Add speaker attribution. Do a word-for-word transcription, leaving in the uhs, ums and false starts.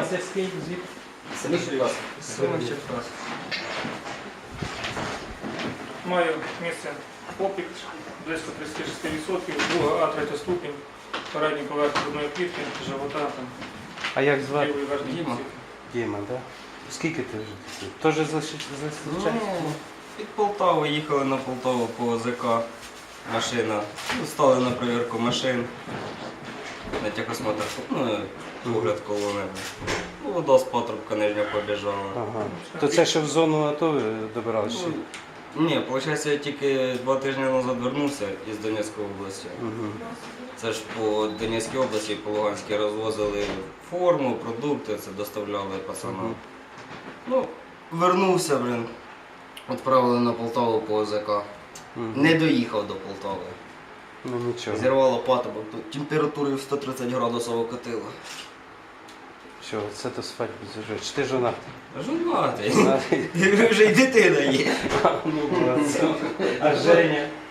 Speaker 1: А це скільки звідки?
Speaker 2: Самі Черкаси.
Speaker 3: Саме Черкас.
Speaker 4: Маю місце опік близько тридцять шість відсотків, друга А, третя ступінь, передній поверх грудної клітки, живота, там,
Speaker 1: А як звати?
Speaker 4: лівої верхньої
Speaker 3: Діма.
Speaker 4: кінцівки.
Speaker 1: Діма, так? Скільки ти вже? Теж зустрічаєшся?
Speaker 3: Ну, від Полтави їхали на Полтаву по ОЗК. Машина. Ну, стали на перевірку машин. На техосмотр, ну, огляд колони. Ну, вода з патрубка нижня побіжала.
Speaker 1: Ага. То це ще в зону АТО ви добиралися?
Speaker 3: Ну, ні, виходить, я тільки два тижні назад вернувся із Донецької області.
Speaker 1: Угу.
Speaker 3: Це ж по Донецькій області, по Луганській розвозили форму, продукти, це доставляли пацанам.
Speaker 1: Мгм.
Speaker 3: Ну, вернувся, блин, відправили на Полтаву по ОЗК.
Speaker 1: Мгм.
Speaker 3: Не доїхав до Полтави.
Speaker 1: Ну нічого.
Speaker 3: Зірвало патрубок, тут температурою сто тридцять градусів окатило.
Speaker 1: Все, це до свадьби зажив. Чи ти жона?
Speaker 3: Жонатий. Вже й дитина є.
Speaker 1: Ну, молодець. А Женя?